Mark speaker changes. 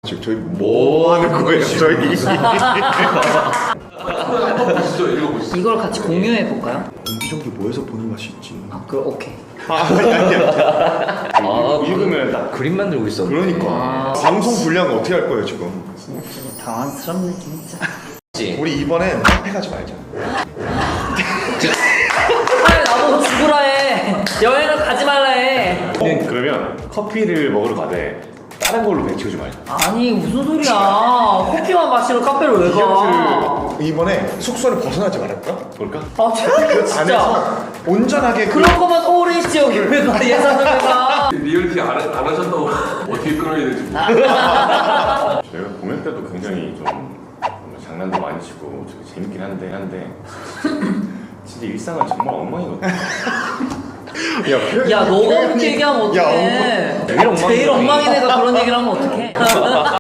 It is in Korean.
Speaker 1: 지금 저희 뭐 하는 거예요? 저희
Speaker 2: 한번 보시죠. 읽어보시죠.
Speaker 3: 이걸 같이 공유해 볼까요?
Speaker 1: 옹기종기 모여서 보는 맛이 있지.
Speaker 3: 오케이.
Speaker 4: 읽으면 딱 그림 만들고 있어.
Speaker 1: 그러니까 방송 분량 어떻게 할 거예요 지금?
Speaker 3: 진짜 당황스럽네 진짜.
Speaker 1: 우리 이번엔 카페 가지 말자.
Speaker 3: 빨리 나보고 죽으라 해. 여행을 가지 말라 해.
Speaker 4: 그러면 커피를 먹으러 가되 다른 걸로 배치우지 말자.
Speaker 3: 아니 무슨 소리야. 커피만 마시러 카페를 왜 가?
Speaker 1: 이번에 숙소를 벗어나지 말할까?
Speaker 4: 볼까?
Speaker 3: 아 최악이야 진짜.
Speaker 1: 안에서 온전하게
Speaker 3: 그럴 거면 서울에 있지 여기 왜 가? 예산을 왜 가?
Speaker 2: 리얼티 안 하셨다고 어떻게 끊어야 될지.
Speaker 4: 저희가 공연 때도 굉장히 좀 장난도 많이 치고 되게 재밌긴 한데 진짜 일상은 정말 엉망이거든.
Speaker 3: 야 너가 그렇게 얘기하면 어떡해.
Speaker 4: 제일 엉망이네.
Speaker 3: 제일 엉망인 애가 그런 얘기를 하면 어떡해.